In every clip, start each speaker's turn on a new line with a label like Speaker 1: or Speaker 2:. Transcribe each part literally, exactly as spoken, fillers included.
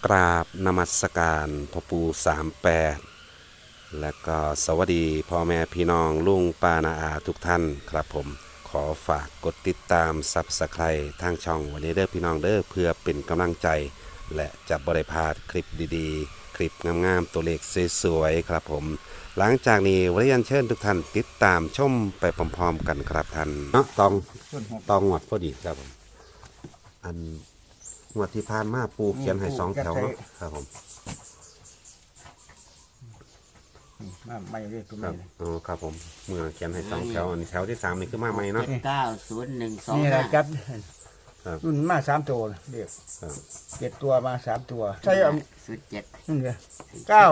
Speaker 1: กราบนมัสการพ่อปู่สามแปดและก็สวัสดีพ่อแม่พี่น้องลุงป้านาอาทุกท่านครับผมขอฝากกดติดตามซับสไครต์ทางช่องวันนี้เด้อพี่น้องเด้อเพื่อเป็นกำลังใจและจะบริพลาดคลิปดีๆ คลิปงามๆตัวเลขสวยๆครับผมหลังจากนี้วริยันเชิญทุกท่านติดตามชมไปพร้อมๆกันครับท่านเนาะตองตองหวดพอดีครับผมอันงวดที่ผ่านมาปูเขียนให้สองแถวเนาะครับผม
Speaker 2: มาไม่เรียกตัว
Speaker 1: ครับ
Speaker 2: นี้
Speaker 1: อ๋อครับผมเมื่อเขียนให้สองแถวอันนี้แถวที่สามนี่คือมาใหม่เนาะ
Speaker 3: เก้าศูนย์หนึ่งสอง
Speaker 2: นี่แหละ
Speaker 3: ห้า
Speaker 2: จับ
Speaker 1: ครับ
Speaker 2: รุ่นมาสามตัวเรียก
Speaker 1: ครับ
Speaker 2: เจ็ดตัวมาสามตัวใช่เอา
Speaker 3: ศูนย์เจ็ด
Speaker 2: นี่เลยเก้า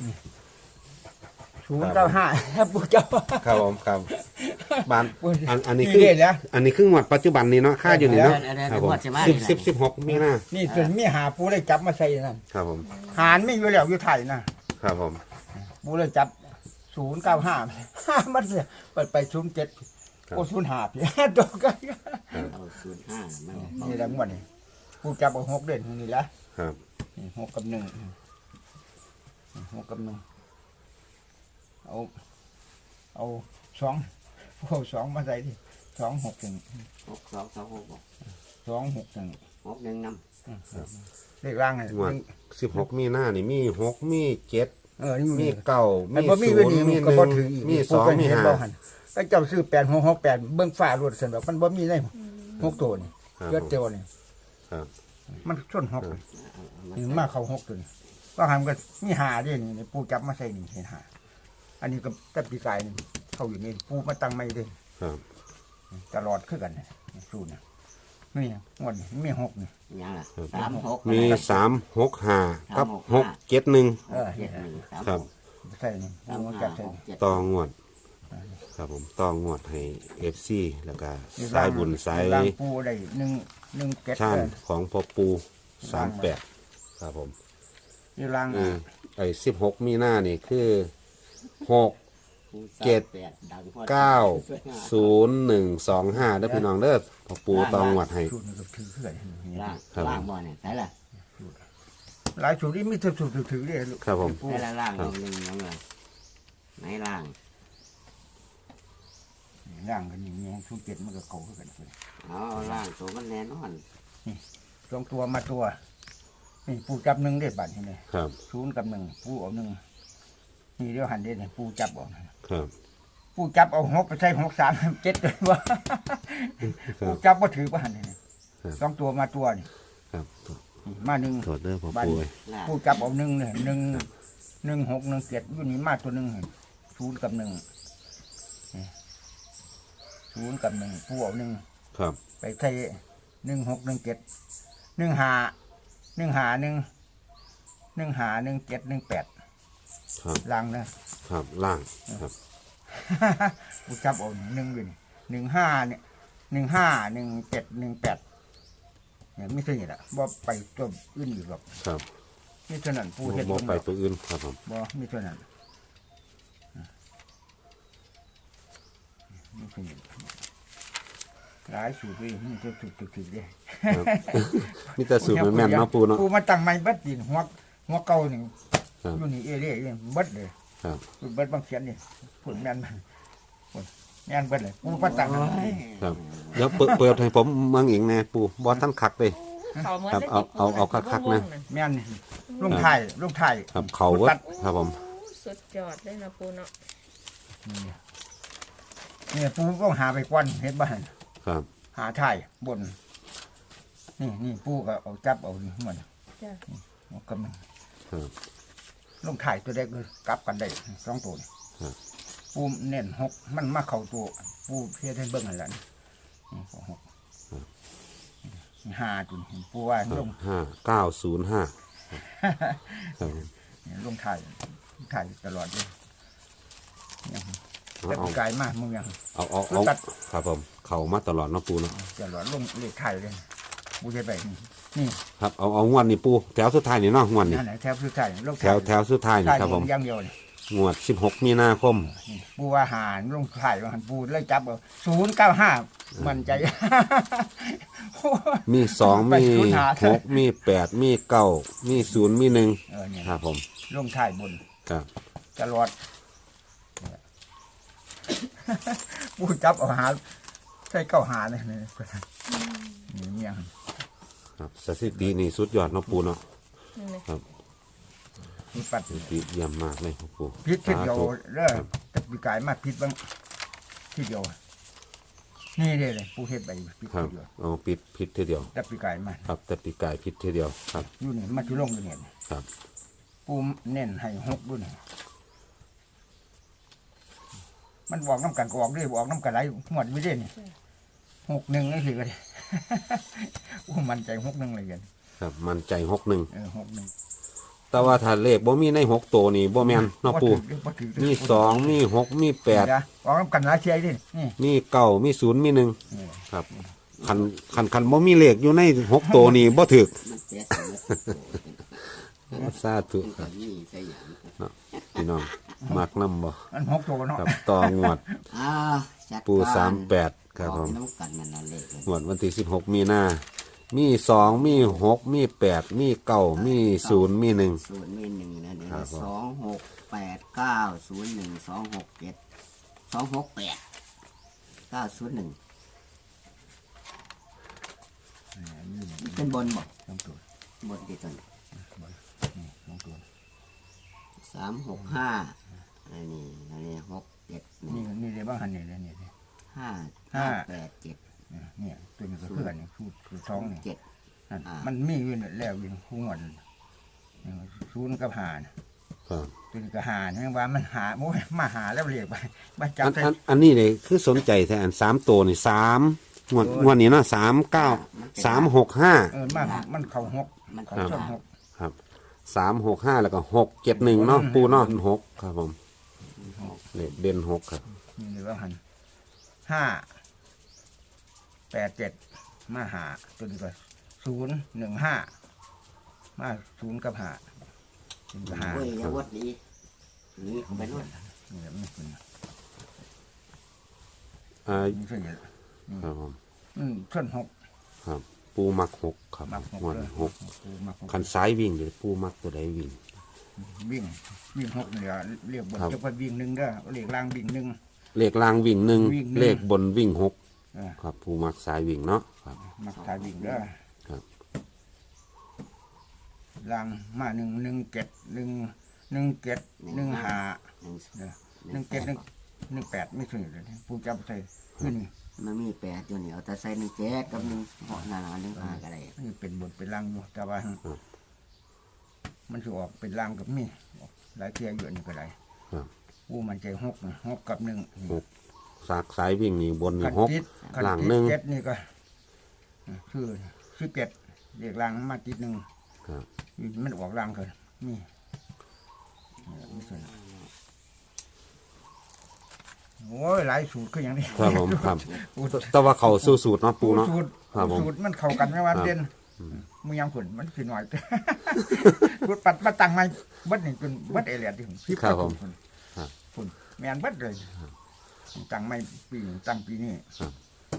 Speaker 2: ศูนย์เก้าห้าปุ๊บเจ้า
Speaker 1: ครับผมครับบานอันอันนี้
Speaker 2: นี่
Speaker 1: คือ
Speaker 2: เรียกนะ
Speaker 1: อันนี้คืองวดปัจจุบันนี้เนาะค่าอยู่นี่เนาะ
Speaker 3: อัน
Speaker 1: ค
Speaker 3: นั้
Speaker 1: รับ
Speaker 3: น
Speaker 1: ผม
Speaker 3: หมดใช่ไหม
Speaker 1: สิบสิบสิบหกมีหน้า
Speaker 2: นี่ส่วนมีหาปูเลยจับมาใส่นั่น
Speaker 1: ครับผม
Speaker 2: หารไม่อยู่แล้วอยู่ไทยนะครับ
Speaker 1: ผม
Speaker 2: ปูเลยจับศูนย์เก้าห้าห้ามันเสียไปไปศูนย์เจ็ดโอ้ศูนย์ห้าพี่ตัวกัน
Speaker 3: เอาศูนย์ห้ามัน
Speaker 2: นี่แหละงวดนี่ปูจับเอาหกเด่นนี่แหละ
Speaker 1: ครับ
Speaker 2: นี่หกกับหนึ่งหกกับหนึ่งเอาเอาสองเอาสองมาใส่ดิสองหกหนึ่ง
Speaker 3: หกสองสองหกบอก
Speaker 2: สองหกหนึ่ง
Speaker 3: หกหนึ่งน
Speaker 2: เลขร่างไง
Speaker 1: งวดสิบหกมีหน้านี่มีหกมีเจ็ด
Speaker 2: เออนี่
Speaker 1: มี
Speaker 2: มี
Speaker 1: เก้า
Speaker 2: มัน
Speaker 1: มี
Speaker 2: บ่มี
Speaker 1: ศู
Speaker 2: เว้ย
Speaker 1: น
Speaker 2: นี่
Speaker 1: ย์มี
Speaker 2: มัน
Speaker 1: ห
Speaker 2: ก็
Speaker 1: นึ่ง
Speaker 2: บ่ถืออีก
Speaker 1: มีสอง
Speaker 2: ผู้
Speaker 1: มี
Speaker 2: เห็น
Speaker 1: ห้า
Speaker 2: บ่หันก็เจ้าซื้อแปดหกหกแปดเบิ่งฟ้ารถสันแบบมันบ่มีในหกตัวนี่
Speaker 1: ครับ
Speaker 2: เยอะเจ้านี่
Speaker 1: ครับ
Speaker 2: มันชนหก
Speaker 1: ครับ
Speaker 2: นี่มาเข้าหกตัวนี่ก็หันก็มีหาดินี่นี่ปูจับมาใส่นี่เห็นหาอันนี้ก็แต่ปีกายนี่เข้าอยู่นี่ปูมาตั้งไม่ได้
Speaker 1: ครับ
Speaker 2: ตลอดคือกันนี่สูตรนี่นี่งวดนี่มีหกนี่
Speaker 3: ำยังล่ะสามหก
Speaker 1: มีสามหกห้ากับหกเจ็ดหนึ่ง
Speaker 2: เออ
Speaker 3: เจ็ดหนึ่งสาม
Speaker 1: ครับ
Speaker 3: หก
Speaker 2: ใส่นี่
Speaker 3: สาม
Speaker 2: ปู
Speaker 3: ห้า
Speaker 2: จับใส่
Speaker 3: หก
Speaker 2: นี่
Speaker 3: เจ็ด
Speaker 1: ต่องวดครับผมต่องวดให้เอฟซีแล้วก็สายบุญสาย
Speaker 2: ล่างปูได้หนึ่งหนึ่งเจ็ด
Speaker 1: ชา
Speaker 2: เล
Speaker 1: ญ
Speaker 2: ย
Speaker 1: ของพ่อปูสามแปดครับผม
Speaker 2: อยู่ล่าง
Speaker 1: อืมไอ้สิบหกมีหน้านี่คือหก เจ็ด
Speaker 3: แปดังพอ
Speaker 1: เก้าศูนย์หนึ่งสองห้าเด้อพี่น้องเด้อพ่อปูตองวัดให้
Speaker 2: สูตรนี่ก็ถือเพื่อน
Speaker 3: ล่าง
Speaker 1: ครับ
Speaker 3: ล่างบ่อเนี่ยใช่ละ
Speaker 2: หลายสูตรนี่มีแต่สูตรถือๆเลย
Speaker 1: ครับผม
Speaker 3: ใช่ละล่างลงหนึ่งยังไงไหนล่าง
Speaker 2: ล่างกันนี่มีสูตรเจ็ดมันก็เก่าขึ้นกันเลย
Speaker 3: เอาล่างตัวมันแน่นอน
Speaker 2: สองตัวมาตัวนี่ปูจับหนึ่งได้บัตรใช่ไหม
Speaker 1: ครับ
Speaker 2: ศูนย์กับหนึ่งปูเอาหนึ่งนี่เดี๋ยวหันเด่นปูจับเอา
Speaker 1: ครับ
Speaker 2: ปูจับเอาหกไปใส่หกสามเจ็ดเลยว่า
Speaker 1: ครั
Speaker 2: ปู
Speaker 1: บ
Speaker 2: จับว่าถือว่าหันนี่
Speaker 1: ครับ
Speaker 2: สองตัวมาตัวนี่
Speaker 1: ครับ
Speaker 2: นี่มาหนึ่ง
Speaker 1: โทษเด้อพ่อปูเอ้ย
Speaker 3: ล่าง
Speaker 2: ปูจับเอาหนึ่งเนี่ยหนึ่งหนึ่งหกหนึ่งเจ็ดอยู่นี่มาตัวหนึ่งศูนย์กับหนึ่งนี่ศูนย์กับหนึ่งปูเอาหนึ่ง
Speaker 1: ครับ
Speaker 2: ไปใส่หนึ่งหกหนึ่งเจ็ดหนึ่งหาหนึ่งหาหนึ่งหนึ่งหาหนึ่งเจ็ดหนึ่งแปด
Speaker 1: ครับ
Speaker 2: ลังนะครับ
Speaker 1: ล่างครับ
Speaker 2: ปูจับเอาหนึ่งอยู่นี่หนึ่งห้าเนี่ยหนึ่งห้าหนึ่งเจ็ดหนึ่งแปดเนี่ยไม่ใช่นี่แหละบ่ไปตัวอื่นอีกหรอก
Speaker 1: ครับ
Speaker 2: นี่เท่านั้นปูเห็ด
Speaker 1: บ่
Speaker 2: บ่
Speaker 1: ไปตัวอื่นครับผม
Speaker 2: บ่มีเท่านั้นนี่คือหลายสูตรเลยนี่จะถูกถูกถูกเลย
Speaker 1: ครับมีแต่สูตรแม่นๆเนาะปูเนาะ
Speaker 2: ปูมาตั้งไม้เบัดดินหัวหัวเก่านี่
Speaker 1: ครับ
Speaker 2: อยู่นี่เอเร่เองเบัดเลย
Speaker 1: ครับ
Speaker 2: เบัดบางเขียนนี่ผลแม่นมันผลแม่นเบัดเลยปูมาตั้ง
Speaker 3: โอ้ย
Speaker 1: ครับเดี๋ยวเปิดเปิดให้ผมเมืองอีกแน่ปูบ่ทันคักเลย
Speaker 4: เขาเหมือน
Speaker 1: ครับ
Speaker 4: ได้
Speaker 1: เอาเอาเอาคักๆนะ
Speaker 2: แม่นนี่ลุงไทยลุงไทย
Speaker 1: ครับเขาเวิร์ดครับผม
Speaker 4: โอ้สุดยอดเลยนะปูเนาะ
Speaker 2: นี่ปูต้องหาไปกวนเห็นบ้าน
Speaker 1: ครับ
Speaker 2: หาไทยบน นี่นี่ปูก็เอาจับเอานี่มัน
Speaker 4: จ้ะ
Speaker 2: เอากำลัง
Speaker 1: ครับ
Speaker 2: ลุงไทยตัวเด็กเลยกลับกันได้สองตัวนี่
Speaker 1: ครับ
Speaker 2: ปูเน้นหกมันมาเข้าตัวปูเพียรให้เบิ่งอะไรล่ะนี่นี่ก็หกนี่ห้าจุดปูว่าลง
Speaker 1: ห้าเก้าศูนย์ห้าครับผม
Speaker 2: นี่ลงไทยลงไทยตลอดเลยยัง
Speaker 1: เอา
Speaker 2: แต่
Speaker 1: เอา
Speaker 2: ไกลมากมึงยัง
Speaker 1: เอาเอาเอาครับผมเขามาตลอดเนาะปูเนาะ
Speaker 2: ตลอดลงเลขไทยเลยปูจะไปนี่นี่
Speaker 1: ครับเอาเอางวดนี่ปูแถวสุดท้ายนี่เนาะงวดนี่
Speaker 2: นั่นแหละแถวสุดท้ายลง
Speaker 1: แถวแถวสุดท้ายนี่
Speaker 2: ไทย
Speaker 1: ครับผม
Speaker 2: อย่างเดียวนี่
Speaker 1: งวดสิบหกมีนาคม
Speaker 2: นี่ปูว่าหารลงไทยว่าหันปูเลยจับเอาศูนย์เก้าห้ามั่นใจ
Speaker 1: มีสอง
Speaker 2: ไป
Speaker 1: มี
Speaker 2: ศูนย์หา
Speaker 1: หกมีแปดมีเก้ามีศูนย์มีหนึ่ง
Speaker 2: เออเนี่ย
Speaker 1: ครับผม
Speaker 2: ลงท้ายบน
Speaker 1: ครับ
Speaker 2: ตลอด ปูจับเอาหาใส่เก้าหาเลยนี่นี่เนี่ย
Speaker 1: ครับสถิตินี่สุดยอดเนาะปูเนาะ
Speaker 4: นั่นเลย
Speaker 2: มีปัด
Speaker 1: สถิติเยี่ยมมากเลยครับปู
Speaker 2: พิษทีเดียว
Speaker 1: สาธุ
Speaker 2: เด้อแต่ปีกายมากพิษบ้างทีเดียว นี่เลยเลยปูเฮ็ดไปพิษ
Speaker 1: ครั
Speaker 2: ที
Speaker 1: บ
Speaker 2: เดียว
Speaker 1: เอาปิดพิษทีเดียว
Speaker 2: แต่ปีกายมา
Speaker 1: ครับแต่ปีกายพิษทีเดียวครับ
Speaker 2: อยู่นี่มาจุลงอยู่เนี่ย
Speaker 1: ครับ
Speaker 2: ปูเน้นให้หกด้วยนี่มันบอกน้ำกันก็บอกด้วยบอกน้ำกันไหลหมดไม่ได้นี่หกหนึ่งนี่สิก็ได้ อู้มันใจหกหนึ่งเลยกัน
Speaker 1: ครับมันใจหกหนึ่ง
Speaker 2: เออหกหนึ่ง
Speaker 1: แต่ว่าถ้าเลขบ่มีในหกตัวนี่บ่แม่นเนาะปู
Speaker 2: บ่ถือบ่ถือ
Speaker 1: มีสองมีหกมีแปด
Speaker 2: เยวบอกน้ำกันหลายเชียร์ดินี่
Speaker 1: มีเก้ามีศูนย์มีหนึ่ง
Speaker 2: นี่
Speaker 1: ครับคันคันคันบ่มีเลขอยู่ในหกตัวนี่บ่ถึก
Speaker 3: มันเสียสมร
Speaker 1: สาธุค
Speaker 3: กั
Speaker 1: รั
Speaker 3: บบ นี่ใส่หยัง
Speaker 1: เนาะพี่น้องมักนำบ่
Speaker 2: อันหกตัวเนาะ
Speaker 1: ครับต่องวด
Speaker 3: อ่าจัด
Speaker 1: ปู
Speaker 3: การ
Speaker 1: สามแปดครับผม
Speaker 3: น้ำกันนั่นน่ะเลขเลย
Speaker 1: งวดวันที่สิบหกมีนามีสองมีหกมีแปดมีเก้ามีศูนย์มีหนึ่ง
Speaker 3: ศูนย์มีหนึ่งนะเดี๋ยว
Speaker 1: ครับผม
Speaker 3: สองหกแปดเก้าศูนย์หนึ่งสองหกเจ็ดสองหกแปดเก้าศูนย์หนึ่งเป็นบนบอก
Speaker 2: สองตัว
Speaker 3: บนกี่ตัว
Speaker 2: นี่สองตัว
Speaker 3: สามหกห้าอันนี้อันนี้หกเจ็ดหนึ่ง
Speaker 2: นี่นี่เลยบ้างหันนี่เลยนี่เลย
Speaker 3: ห้า
Speaker 2: ห้า
Speaker 3: ห้าแปดเจ็ด
Speaker 2: เนี่ยตัวนี้ก็คือกันนี่คือคือท้องนี่
Speaker 3: เจ็ด
Speaker 2: นั่น
Speaker 3: อ่ามั
Speaker 2: มันมีอยู่นั่นแล้วอยู่คู่งอนนี่ศูนย์กับหาน่ะ
Speaker 1: ครับ
Speaker 2: ตัวนี้ก็หาเนี่ยว่ามันหาโอ้ยมาหาแล้วเรียกไปมาจับ
Speaker 1: อัน
Speaker 2: ใส่
Speaker 1: อันอันนี้เลยคือสนใจแต่อันสามตัวนี่สามงวด
Speaker 2: โอ้ย
Speaker 1: งวดนี้เนาะสามเก้าสามหกห้า
Speaker 2: เออมามันเข่าหก
Speaker 3: มัน
Speaker 2: เข่า
Speaker 3: เข้า
Speaker 2: ช่อง
Speaker 3: ห
Speaker 2: ห
Speaker 3: ก
Speaker 2: ก
Speaker 1: ครับสามหกห้าแล้วก็หกเจ็ดหนึ่งเนาะปูเนาะหกครับผมเลขเด่นหกครับ
Speaker 2: นี่เลยว่าหันห้าแปดเจ็ดมาหาตัวนี้ก็ศูนย์หนึ่งห้ามาศูนย์กับหาศูนย์กับหา
Speaker 3: โอ้ยอย่าวัดดีนี่เขาไปนวด
Speaker 2: นี่แหละไม่เป็น
Speaker 1: อ่า
Speaker 2: นี่ส่วนใหญ่
Speaker 1: ครับผม
Speaker 2: อืมส่วนหก
Speaker 1: ครับปูมักหกครับ
Speaker 2: มักหก
Speaker 1: งวด
Speaker 2: เลย
Speaker 1: หก
Speaker 2: ปูมักหก
Speaker 1: คันซ้ายวิ่งอยู่ปูมักตัวใดวิ่ง
Speaker 2: วิ่งวิ่งหกเนี่ยเรียกบน
Speaker 1: ครับ
Speaker 2: จะไปวิ่งหนึ่งเด้อเรียกล่างวิ่งหนึ่ง
Speaker 1: เลขล่างวิ่งหนึ่ง
Speaker 2: วิ่งหนึ่ง
Speaker 1: เลขบนวิ่งหก
Speaker 2: เออ
Speaker 1: ครับปูมักซ้ายวิ่งเนาะครับ
Speaker 2: มักทายวิ่งเด้อ
Speaker 1: ครับ
Speaker 2: ล่างมาหนึ่งหนึ่งเจ็ดหนึ่งหนึ่งเจ็ดหนึ่งหา
Speaker 3: หนึ่ง
Speaker 2: เด้อหนึ่งเจ็ดหนึ่งหนึ่งแปดไม่ใช่เลยปูจับใส่ขึ้นนี่
Speaker 3: มันมีแปดอยู่นี่เอาแต่ใส่หนึ่งเจ็ดกับหนึ่งหอหนาหนึ่งห้าก็ได้
Speaker 2: นี่เป็นบทเป็นล่างอยู่แต่ว่ามันจะออกเป็นล่างกับมีหลายเทียอยู่นี่ก็ได้
Speaker 1: ครับ
Speaker 2: ปูมันใจหกนะหกกับหนึ่ง
Speaker 1: หกสากซ้ายวิ่งนี่บนนี่
Speaker 2: ขัน
Speaker 1: หก
Speaker 2: ติดขัน
Speaker 1: ล่าง
Speaker 2: ติด
Speaker 1: หนึ่ง
Speaker 2: เจ็ดนี่ก็คือสิบเจ็ดเรียกล่างมาติดหนึ่ง
Speaker 1: ครับ
Speaker 2: มันออกล่างเกินนี่นี่ส่วนโอ้ยหลายสูตรคืออย่างนี้
Speaker 1: ครับผมครับ
Speaker 2: สูตร
Speaker 1: แต่ว่าเขาสู้สูตรเนาะปูเนาะ
Speaker 2: สูตร
Speaker 1: ครับผม
Speaker 2: สูตรมันเข้ากันไม่ว่า
Speaker 1: ครับ
Speaker 2: เด่นมึงยังขุนมันคือหน่อย สูตรปัดมาตั้งไม่เบัดนี่จนเบัดเอเลียดที่ผม
Speaker 1: ครับผม
Speaker 2: ฝุ่น
Speaker 1: ครับ
Speaker 2: ฝุ่นแมนเบัดเลยตั้งไม่ปีนี้ตั้งปีนี้
Speaker 1: ครับ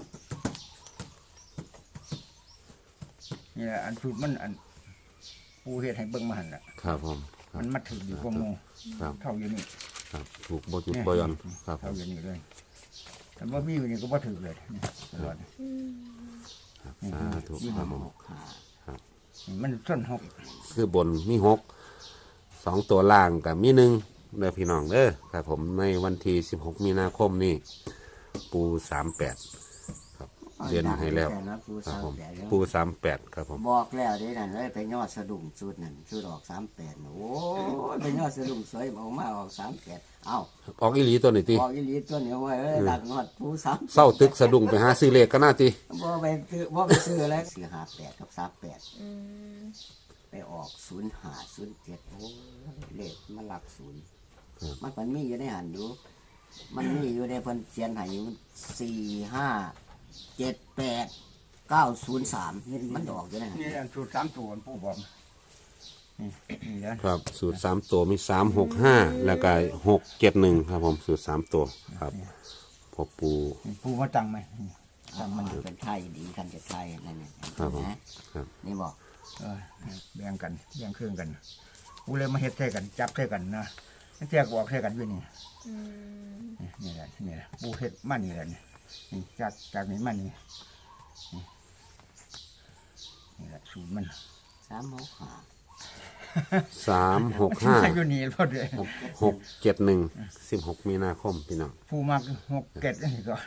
Speaker 2: นี่แหละอันสูตรมันอันปูเฮ็ดให้เบิ่งมาหันละ
Speaker 1: ครับผมครั
Speaker 2: มั
Speaker 1: บ
Speaker 2: นมาถึงอยู่กับหมู
Speaker 1: ครับ
Speaker 2: เท่าอยู่นี่
Speaker 1: ครับถูกบ่จุดบ่หยอนครับผ
Speaker 2: เท่าม อยู่นี่เลยแต่ว่ามีอยู่นี่ก็บ่ถึงเลยนี่ตลอด
Speaker 1: ครับสาธุครับผม
Speaker 3: หกห้า
Speaker 2: มันส้นหก
Speaker 1: คือบนมีหกสองตัวล่างกับมีหนึ่งเด้อพี่น้องเด้อครับผมในวันที่สิบหกมีนาคมนี่ปูสามแปดครับเรียนให้แล้ว
Speaker 3: ปู
Speaker 1: ครับ
Speaker 3: สาม
Speaker 1: ผม
Speaker 3: แปดแล้ว
Speaker 1: ปูสามแปดครับผม
Speaker 3: บอกแล้วเด้นั่นเลยไปยอดสะดุ้งสูตรนั่นสูตรออกสามแปดโอ้ยไปยอดสะดุ้งสวยออกมาออกสามแปดเอ้า
Speaker 1: ออกอีหลีตัวนี้ติ
Speaker 3: ออกอีหลีตัวเหนียวไว้เอ้ยหลักงอดปูสาม
Speaker 1: เศร้าตึกสะดุ้งไปหาซื้อเลขก็น่าติ
Speaker 3: บ่ไปซื้อบ่ไปซื้อแล้วซื้อห้าแปดกับสามแปด
Speaker 4: อืม
Speaker 3: ไปออกศูนย์ห้าศูนย์เจ็ดโอ้ยเลขมันหลักศูนย์มันมันมีอยู่ในหันอยู่ มันมีอยู่ในเพิ่นเขียนให้อยู่สี่ห้าเจ็ดแปดเก้าศูนย์สามมันออกอยู่ในหัน
Speaker 2: นี่อันสูตรสามตัวอันปูบอกนี่นี่นะครับ
Speaker 1: สูตรสามตัวมีสามหกห้าแล้วก็หกเจ็ดหนึ่งครับผมสูตรสามตัวครับพอปู
Speaker 2: นี่ปูมาตั้งไหมนี่
Speaker 3: ถ้ามันเป็นไทยดีคันจะไทยนั่นเนี่ย
Speaker 1: ครับผม
Speaker 3: นะครับ นี่บอก
Speaker 2: เออแบ่งกันแบ่งเครื่องกันกูเลยมาเฮ็ดใส่กันจับใส่กันนะแจกบอกใส่กันอยู่นี่
Speaker 4: อืม
Speaker 2: นี่นี่แหละนี่แหละปูเฮ็ดมานี่แหละนี่นี่จากจากนี้มานี่นี่นี่แหละสูตรมัน
Speaker 3: สามหกห้า
Speaker 1: สามหกห้า
Speaker 2: อยู่นี่พอดี
Speaker 1: หกเจ็ดหนึ่งสิบหกมีนาคมพี่น้อง
Speaker 2: ผู้มากหกเกตนี่ก็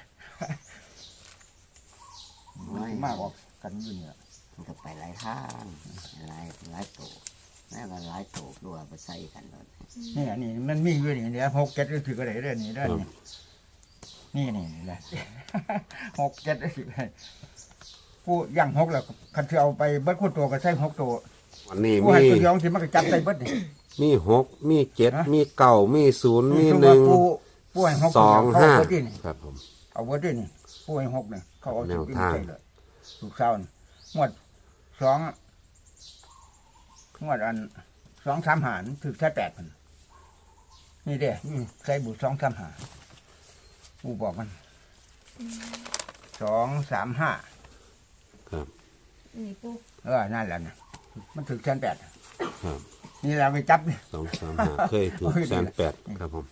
Speaker 2: มากออกกันอยู่เนี่ย
Speaker 3: มันก็ไปหลายทางหลายหลายโตแม่ก็หลายโตด้วยไปใส่กันเลย
Speaker 2: นี่อันนี้มันมีอยู่นี่เดี๋ยวหกเกตก็ถือก็ได้เรื่องนี้ได้นี่นี่นี่นี่แหละ หกเกตก็ถือได้ผู้ย่างหกแล้วคันที่เอาไปเบิดคู่ตัวก็ใช้หกตัว
Speaker 1: วันนี้
Speaker 2: ผู้
Speaker 1: มี
Speaker 2: ให้ตัวยองที่มันก็จับใส่เบิดนี่
Speaker 1: มีหกมีเจ็ด
Speaker 2: ฮะ
Speaker 1: มีเก้ามีศูนย์มี
Speaker 2: คือ
Speaker 1: ห
Speaker 2: ว่า
Speaker 1: นึ่ง
Speaker 2: ผู้ผู้ให้หก
Speaker 1: สอง
Speaker 2: เขา
Speaker 1: ห้า
Speaker 2: เอาเบิดนี่นี่
Speaker 1: ครับผม
Speaker 2: เอาเบิดนี่นี่ผู้ให้หกเนี่ยเขาเอา
Speaker 1: แนว
Speaker 2: ที่
Speaker 1: ทาง
Speaker 2: ใส่เลยถูกเศร้านี่งวดสองงวดอันสองสามหารถือแค่แปดพันนี่เด้นี่ใส่บุตรสองสามหาผู้บอกมันสองสามห้า
Speaker 1: ครับ
Speaker 4: นี่ปู
Speaker 2: เออนั่นแหละนะมันถือแค่แปด
Speaker 1: ครับ
Speaker 2: นี่เราไปจับนี่
Speaker 1: สองสามห้าเคยถูกแสนแปดครับผม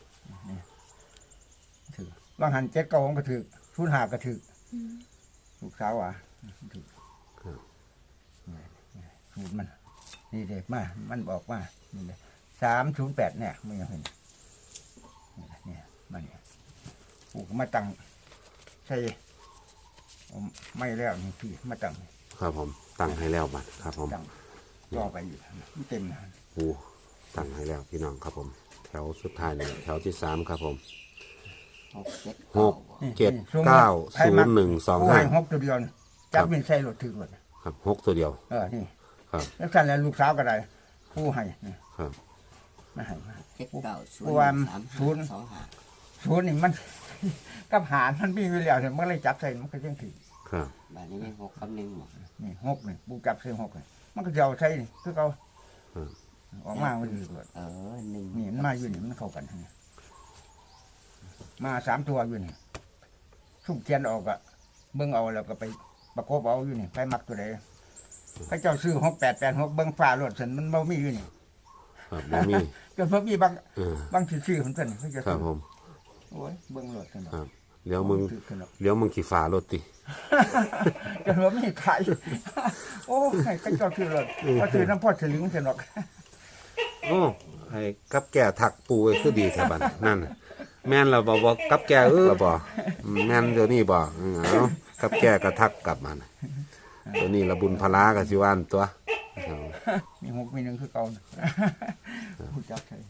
Speaker 2: ถือว่างหันเจ็ดเก้าของก็ถือทุนหาก็ถือ
Speaker 4: อืม
Speaker 2: ลูกสาวอ่ะถือ
Speaker 1: ครับ
Speaker 2: สูตรมัน นี่เด็กมามันบอกว่านี่เลยสามศูนย์แปดเนี่ยไม่เห็นนี่แหละเนี่ยมันเนี่ยปลูกมาตั้งใช่เอาไม่แล้วนี่พี่มาตั้ง
Speaker 1: ครับผมตั้งให้แล้วบัตรครับผม
Speaker 2: ตั้งต่อไปอยู่มันเต็มนะ
Speaker 1: โอ้ตั้งให้แล้วพี่น้องครับผม แถวสุดท้ายเนี่ยแถวที่สามครับผม
Speaker 3: หกเจ็ด
Speaker 1: ห
Speaker 3: เก้าก
Speaker 2: นี่
Speaker 1: เจ็ด
Speaker 2: นี่
Speaker 1: เก้า
Speaker 2: ให้
Speaker 1: ศู
Speaker 2: มัน
Speaker 1: ย์หนึ่งสอง
Speaker 2: ผู้
Speaker 1: ห้า
Speaker 2: ให้หกตัวเดียวนี่จับเป็นใส่รถถือรถ
Speaker 1: ครับหกตัวเดียว
Speaker 2: เออนี่
Speaker 1: ครับ
Speaker 2: แล้วสั่นแล้วลูกสาวก็ได้ผู้ให้นี่
Speaker 1: ครับ
Speaker 2: มาให้มา
Speaker 3: เจ็ดเก้าศูน
Speaker 2: ผู้
Speaker 3: ย์
Speaker 2: ว่า
Speaker 3: สาม
Speaker 2: ศู
Speaker 3: ห้าน
Speaker 2: ย์
Speaker 3: สองห้า
Speaker 2: ศูนย์นี่มัน กับหารมันมีอยู่แล้วเนี่ยมันเลยจับใส่มันก็ยังถือ
Speaker 1: ครับ
Speaker 3: แบบนี้ไม่หกคำหนึ่งหมด
Speaker 2: นี่หกนี่ปูจับใส่หกนี่มันก็จะเอาใส่นี่คือเขา
Speaker 1: อืม
Speaker 2: ออกมามันอยู่ด้วย
Speaker 3: เออหนึ่ง
Speaker 2: นี่มันมาอยู่นี่มันเข้ากันนี่มาสามตัวอยู่นี่ทุ่มเทียนออกอะเบิ้งเอาแล้วก็ไปประกบเอาอยู่นี่ไปมักตัวใดพระเจ้าซื้อหกแปดแปดหกเบิ้งฟ้าโลดสันมันบ่มีอยู่นี่
Speaker 1: ครับบ่มี
Speaker 2: จนเพิ่มมีบาง
Speaker 1: เออบ
Speaker 2: างที่ซื้อของเพิ่นเขาจะ
Speaker 1: ครับ
Speaker 2: ซื้อ
Speaker 1: ผม
Speaker 2: โอ้ยเบิ้งโลดสันดอก
Speaker 1: ครับเดี๋ยวมึง
Speaker 2: ถือขึ้นดอก
Speaker 1: เดี๋ยวมึงขี่ฟ้ารถติ
Speaker 2: จนว่ามีขายโอ้ยใครเจ้าซื้อโลดว่าซื้อน้ำพ่อสลึงสันดอก
Speaker 1: โอ้ไอ้กับแก่ถักปูไว้คือดีแท้บัดนั่นน่ะแม่นเราบอกว่ากับแก่เออบ่อืมแม่นเดี๋ยวนี้บ่เออเอากับแก่ก็ทักกลับมาน่ะตัวนี้ละบุญพลาก็สิว่านตัวเอา
Speaker 2: มีหกมีหนึ่งคือเก่านะผู้จับใช่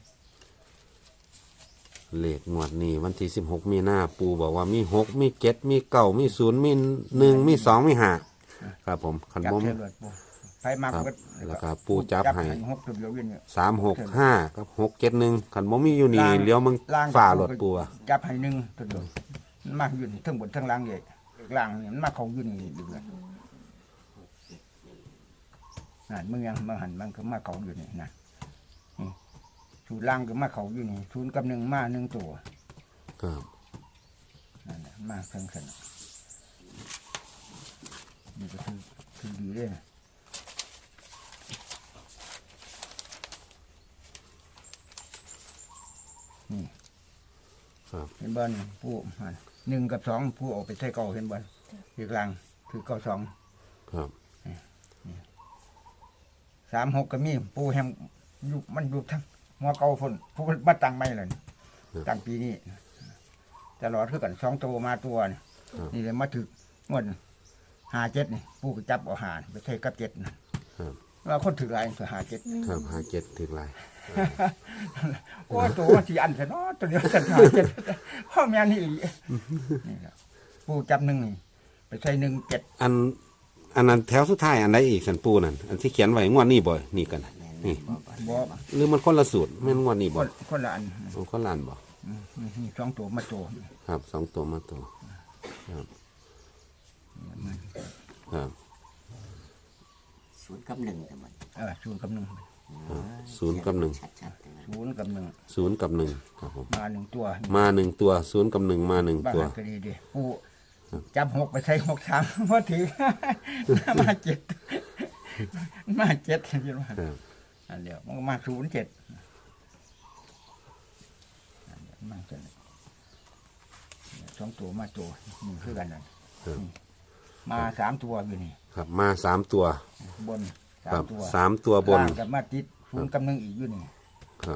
Speaker 1: เลขงวดนี้วันที่สิบหกมีนาปูบอกว่ามีหกมีเจ็ดมีเก้ามีศูนย์มีหนึ่งมีสองมีห้าครับผมคัน
Speaker 2: จับ
Speaker 1: บ่ม
Speaker 2: เชือกปูไปมาก
Speaker 1: ครับ
Speaker 2: ก็
Speaker 1: แล้วก็ปูจับให้
Speaker 2: หกตัวเดียวอยู่เนี่ย
Speaker 1: สามหกห้ากับหกเจ็ดหนึ่งคันบ่มีอยู่นี่
Speaker 2: ล่าง
Speaker 1: เลี้ยวมึง
Speaker 2: ล่าง
Speaker 1: ฝ่ารถปูอะ
Speaker 2: จับให้หนึ่งตัวเดียวมันมากอยู่นี่ทั้งบนทั้งล่างเลยล่างเนี่ยมันมาเขาอยู่นี่อยู่เลยนั่นมึงยังมาหันมันก็มาเขาอยู่นี่นะนี่สูตรล่างก็มาเขาอยู่นี่ศูนย์กับหนึ่งมาหนึ่งตัว
Speaker 1: ครับ
Speaker 2: นั่นแหละมาเพิ่งขึ้นนี่ก็คือคือดีเลยนะนี่
Speaker 1: ครับ
Speaker 2: เห็นบอลผู้หันหนึ่งกับสองผู้ออกไปใช้เก่าเห็นบอลอีกลางคือเก่าสอง
Speaker 1: ครับ
Speaker 2: สามหกก็มีผู้แฮมอยู่มันอยู่ทั้งหัวเก่าฝนผู้มาตั้งไม่เลยนี่ตั้งปีนี้ตลอดคือกันสองตัวมาตัวนี่นี่เลยมาถึกงวดหาเจ็ดนี่ผู้ก็จับเอาหาไปใช้กับเจ็ดนะครับ แล้วคนถือหลายถือหาเจ็ด
Speaker 1: ครับหาเจ็ดถึงไร
Speaker 2: โอ้ตัวสี่อันเสร็จเนาะตัวเดียวเสร็จหาเจ็ดพ่อแม่นี่อีหลีนี่แหละผู้จับหนึ่งนี่ไปใช้หนึ่งเจ็ด
Speaker 1: อันอันนั้นแถวสุดท้ายอันใดอีกสันปูนั่นอันที่เขียนไว้งวดนี้บ่นี่กันน่ะ
Speaker 3: แม่น
Speaker 1: นี่
Speaker 3: บ่บ่
Speaker 2: บ่
Speaker 1: หรือมันคนละสูตรแม่นงวดนี้
Speaker 2: ค
Speaker 1: บ่
Speaker 2: นคนละอัน
Speaker 1: มันคนละอันบ่
Speaker 2: อืมนี่สองตัวมาตัว
Speaker 1: ครับสองตัวมาตัวครับครับ
Speaker 3: ศูนย์กับหนึ่งแต่มัน
Speaker 2: เออศูนย์กับหนึ่ง
Speaker 1: ศูนย์กับหนึ่ง
Speaker 3: ชัดๆแต่มัน
Speaker 2: ศูนย์กับหนึ่ง
Speaker 1: ศูนย์กับหนึ่งครับผม
Speaker 2: มาหนึ่งตัว
Speaker 1: มาหนึ่งตัวศูนย์กับหนึ่งมาหนึ่ง
Speaker 2: บ้าน
Speaker 1: ตัว
Speaker 2: หันก็ดีดีผู้จับหกไปใส่หกสามพอถือ มาเจ็ดมาเจ็ดเห็นไหม
Speaker 1: ครับ
Speaker 2: อันเดียวมันก็มาศูนย์เจ็ดอันเดียวมาเจ็ดสองตัวมาตัวนี่คือกันนั่น
Speaker 1: ครับ
Speaker 2: มาสามตัวอยู่นี่
Speaker 1: ครับมาสามตัว
Speaker 2: บนสา
Speaker 1: ครั
Speaker 2: ม
Speaker 1: บ
Speaker 2: ตัว
Speaker 1: สามตัวบน
Speaker 2: ล่างกับมาติดศูนย์กำนึงอีกอยู่นี่
Speaker 1: ครับ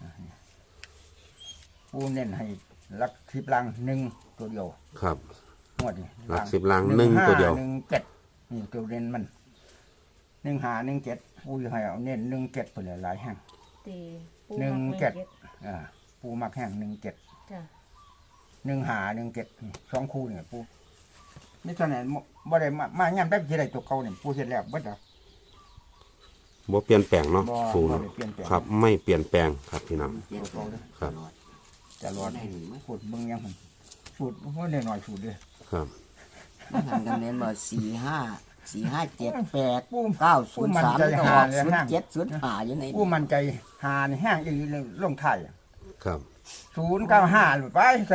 Speaker 2: ปูเน้นให้ลักทิพลังหนึ่งตัวเดียว
Speaker 1: ครับ
Speaker 2: งวดนี่
Speaker 1: หลักสิบลังหนึ่งตัวเดียว
Speaker 2: หนึ่งเจ็ดนี่ตัวเน้นมันหนึ่งหาหนึ่งเจ็ดปูจะให้เอาเน้นหนึ่งเจ็ดไปเลยหลายแห่ง
Speaker 4: ตีปู
Speaker 2: หนึ่ง
Speaker 4: มั
Speaker 2: เจ็ด อ่าปูมักแห่งหนึ่งเจ็ด
Speaker 4: จ้ะ
Speaker 2: หนึ่งหาหนึ่งเจ็ดสองคู่เนี่ยปูนี่ตอนไหนบ่ได้มามาย่ำได้กี่ไรตัวเก่าเนี่ยปูเสร็จแล้วบ่จ้ะ
Speaker 1: บ่เปลี่ยนแปลงเนาะ
Speaker 2: บ่
Speaker 1: ศูน
Speaker 2: บ่
Speaker 1: ย์
Speaker 2: ได้เปลี่ยนแปลง
Speaker 1: ครับไม่เปลี่ยนแปลงครับพี่น้อง
Speaker 3: เจ็ดตัวเด้อ
Speaker 1: ครับ
Speaker 3: ตลอด
Speaker 2: จะรอดสูตรเบิ่งยังมันสูตรเมื่อหน่อยๆสูตรเด้อ
Speaker 1: ครับ
Speaker 3: มันหันกันเน้นว่าสี่ห้าสี่ห้าเจ็ดแปด
Speaker 2: ปู
Speaker 3: เก้าศูนย์สาม
Speaker 2: ปูมั่นใจ
Speaker 3: ตลอด
Speaker 2: หาเลย
Speaker 3: ศูน
Speaker 2: นะ
Speaker 3: ย์เจ็ดศูนย์ห้าอยู่ใน
Speaker 2: ปูมั่นใจหาในแห้งอีกลงไทาย
Speaker 1: ครับ
Speaker 2: ศูนย์เก้าห้าหลุดไป แต่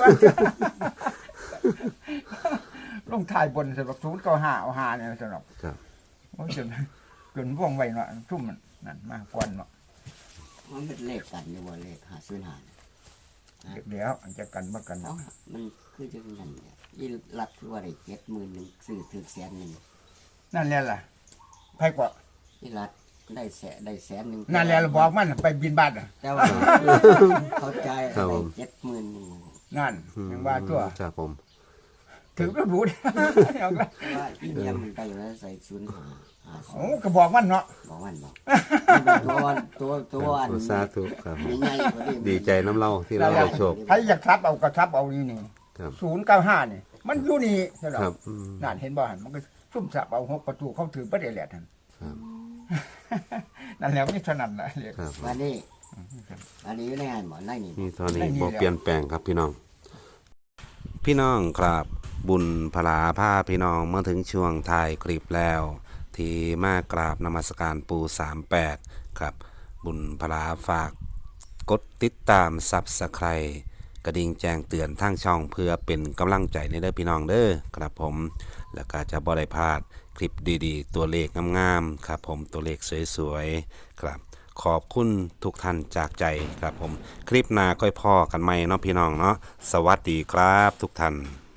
Speaker 2: ลงไทายบนสำหรับศูนย์เก้าห้าเอาหาเนี่ยสำหรับ
Speaker 1: ครับ
Speaker 2: โอ้ยจนจนว่องไวเนาะทุ่มมันนั่นมากกวนเนาะ
Speaker 3: มันเป็นเลขกันอยู่ว่าเลขหาศูนย์ห้า
Speaker 2: เดี๋ยวอันจะกันบ่กัน
Speaker 3: เอ้ามันคือจังนั้นเนี่ยยี่รัดคือว่าได้เจ็ดหมื่นหนึ่งซื้อถึงแสนหนึ่ง
Speaker 2: นั่นแหละล่ะไผกว่า
Speaker 3: ยี่รัดได้แสนได้แสนหนึ่ง
Speaker 2: นั่นแหละเราบอกมันไปบินบาทอ่ะ
Speaker 3: แต่ว่าเข้าใจ
Speaker 1: ครับผ
Speaker 3: ได้
Speaker 1: ม
Speaker 3: เจ็ดหมื่นหนึ่ง
Speaker 2: นั่นยังว่าตัว
Speaker 1: ครับผม
Speaker 2: ถึงก็รู้ดิ เอาละ
Speaker 3: แต่ว่าอีเดียมันไปแล้วใส่ศูนย์ห้าหาศู
Speaker 2: โอ้
Speaker 3: นย์
Speaker 2: ก็บอกมันเนาะ
Speaker 3: บอกมันบอกตัวตัวตัวอัน
Speaker 1: สาธุครับ
Speaker 3: ใหญ่ๆกว่านี้
Speaker 1: ดีใจน้ำเล่าที่เราได้โชค
Speaker 2: ใครอยากทับเอาก็ทับเอานี่นี่
Speaker 1: ครับ
Speaker 2: ศูนย์เก้าห้านี่มันอยู่นี่ใช่หรอ
Speaker 1: ครับอืม
Speaker 2: นั่นเห็นบ่หันมันก็ซุ่มสับเอาหกประตูเขาถือประเดี๋ยวแหละท่าน
Speaker 1: ครับ
Speaker 2: นั่นแหละไม่ถนัดนะเรียก
Speaker 1: ครับ
Speaker 3: วันนี้อันนี้อยู่ในงานหมอนั่งนี่
Speaker 1: นี่เท่านี้
Speaker 2: ไม่มี
Speaker 1: บ่
Speaker 2: แล้ว
Speaker 1: เปลี่ยนแปลงครับพี่น้อง พี่น้องครับบุญพลาผ้าพี่น้องเมื่อถึงช่วงถ่ายคลิปแล้ว ที่มากราบนมัสการปูสามแปดครับ บุญพลาฝากกดติดตามซับสไครกระดิ่งแจ้งเตือนทางช่องเพื่อเป็นกำลังใจในเด้อพี่น้องเด้อครับผม แล้วก็จะบ่ได้พลาดคลิปดีๆ ตัวเลขงามๆครับผมตัวเลขสวยๆครับ ขอบคุณทุกท่านจากใจครับผม คลิปหน้าค่อยพ่อกันใหม่เนาะพี่น้องเนาะสวัสดีครับทุกท่าน